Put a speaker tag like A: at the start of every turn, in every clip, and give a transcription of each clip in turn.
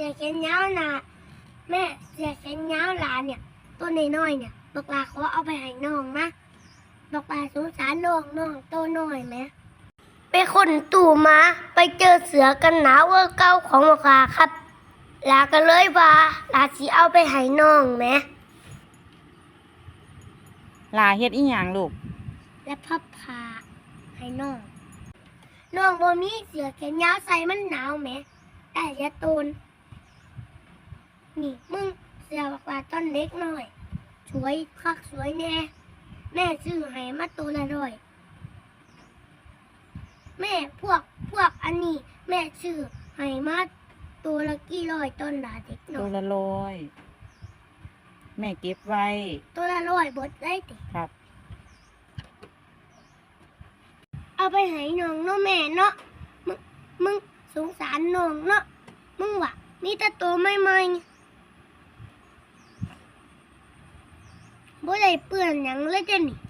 A: อแขนยาวน่ะแม่เสือแขนยาวหลานเนี่ยตัวน้อยๆเนี่ยบักลาขอเอาไปให้น้องนะบักลาสงสารน้องตัวน้อยไหมไปคนตู่มาไปเจอเสือกันหนาวเก่าของบักลาครับลาก็เลยว่าลาสิเอาไปให้น้องไหม
B: ลาเฮ็ดอีหยังลูก
A: และพับผ้าให้น้องบ่มีเสื้อแขนยาวใส่มันหนาวแหมแต่อย่าโตนนี่มึงเสื้อบักว่าต้นเล็กหน่อยสวยคักสวยแน่แม่ซื้อให้มาตัวละ100แม่พวกอันนี้แม่ซื้อให้มาตัวละกี่ร้อยต้นละเด็กหน่
B: ตั
A: อ
B: วย ละ100แม่เก็บไว้
A: ตัวละ100บดได้ติ
B: ครับ
A: เอาไปให้น้องเนาะแม่เนาะมึงสงสารน้องเนาะมึงว่ะมีแต่ตัวใหม่ๆบ่ได้เปื้อนหยังเลยจ้ะนี่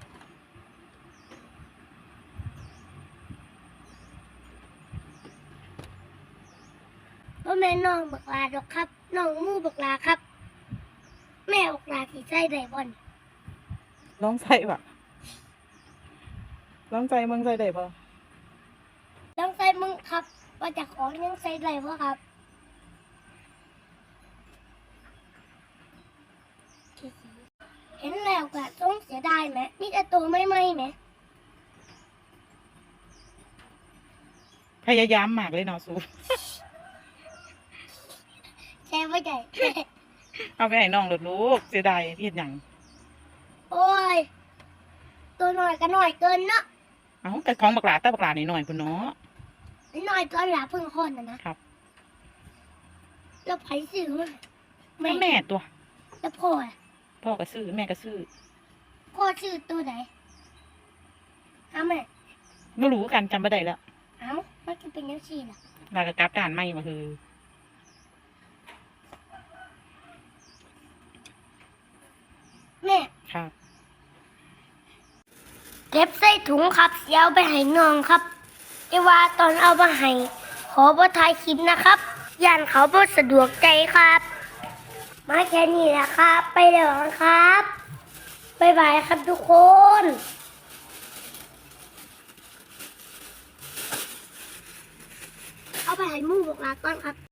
A: บ่แม่น้องบักลาดอกครับน้องมู่บักลาครับ แม่บักลาสิใส่ได้บ่นี่
B: ลองใส่บ่ลองใส่มึงใส่ได้บ่
A: ต้องใส่มึงครับว่าจะขอยังใส่ได้บ่ครับเห็นแล้วก็ต้องเสียดายไหมมีแต่ตัวไม่ไหมไหม
B: พยายามมากเลยเนาะสู
A: แช่ไม่ได้
B: เอาไปให้น้องลูกเสียดายเฮ็ดหยัง
A: โอ้ยตัวหน่อยก็หน่อยเกินเนาะ
B: เอ้าแต่ของบักหลาแต่บักหลานี่หน่อยพุ่นเนาะ
A: หน่อยก็หลาเพิ่งคนนะครับ แล้วไผซื้อมา
B: แม่ตัว
A: แล้วพ่ออะ
B: พ่อก็ซื้อแม่ก็ซื้อ
A: พ่อซื้อตัวไหนเอาแม่
B: บ่รู้กันจำบ่ได้แล้ว
A: เอามันจะเป็นยังซี่ล่ะ
B: ลาก็กลับด้านใหม่มาคือ
A: แม่
B: ครับ
A: เก็บใส่ถุงครับเสียเอาไปให้น้องครับแต่ว่าตอนเอามาให้ขอบ่ถ่ายคลิปนะครับย่านเขาบ่สะดวกใจครับ มาแค่นี้แหละครับ ไปแล้วครับบ๊ายบายครับทุกคน เอาไปให้หมู่บอกลาก่อนครับ